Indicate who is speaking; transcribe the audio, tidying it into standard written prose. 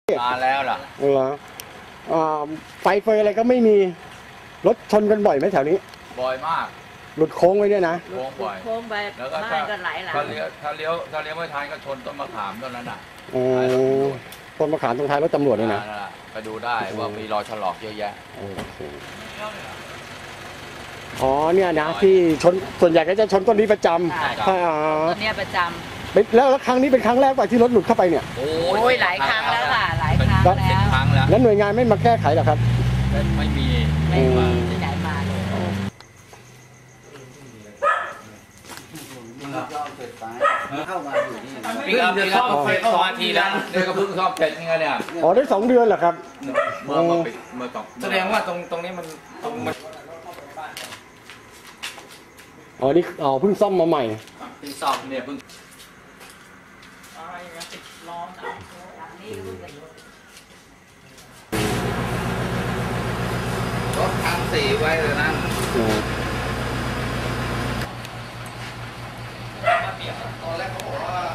Speaker 1: นานแล้วล่ะ
Speaker 2: เหรอไฟเฟยอะไรก็ไม่มีรถชนกันบ่อยไหมแถวนี้
Speaker 1: บ่อยมาก
Speaker 2: หลุดโค้งไว้ด้วยนะ
Speaker 1: โค้งบ่อย
Speaker 3: โค้งไป
Speaker 1: แล้วก็
Speaker 3: บ้านก็ไหลหลัง
Speaker 1: ถ้าเลี้ยวไม่ทันก็ชนต้นมะขามต้นนั้นน่ะ
Speaker 2: ต้นมะขามตรงท้ายรถตำรวจเลยนะ
Speaker 1: ไปดูได้ว่ามีรอยถลอกเยอะแยะ
Speaker 2: อ๋อเนี่ยนะที่ชนส่วนใหญ่ก็จะชนต้นนี้ประจ
Speaker 3: ำต้นนี้ประจ
Speaker 2: ำแล้วครั้งนี้เป็นครั้งแรกป่ะที่รถหลุดเข้าไปเนี่ย
Speaker 3: โอ้ยหลายครั้งแล้วค่ะหลายครั้งแล้ว
Speaker 2: แล้วหน่วยงานไม่มาแก้ไขหรอครับ
Speaker 1: ไม่มี
Speaker 3: ที่ไหนมาเลย
Speaker 1: เข้ามาอยู่นี่พี่ซ่อมเสร็จ2 นาทีแล้วเนี่ยก็เพิ่งซ่อมเสร็จไงเนี่ย
Speaker 2: อ๋อได้2 เดือนเหรอครับ
Speaker 1: เมื่อแสดงว่าตรงนี้มัน
Speaker 2: อ๋อนี่เพิ่งซ่อมมาใหม่
Speaker 1: เพิ่งซ่อมเนี่ยเพิ่งรถทางสีไว้เลยนั่นตอนแรกเขาบอกว่า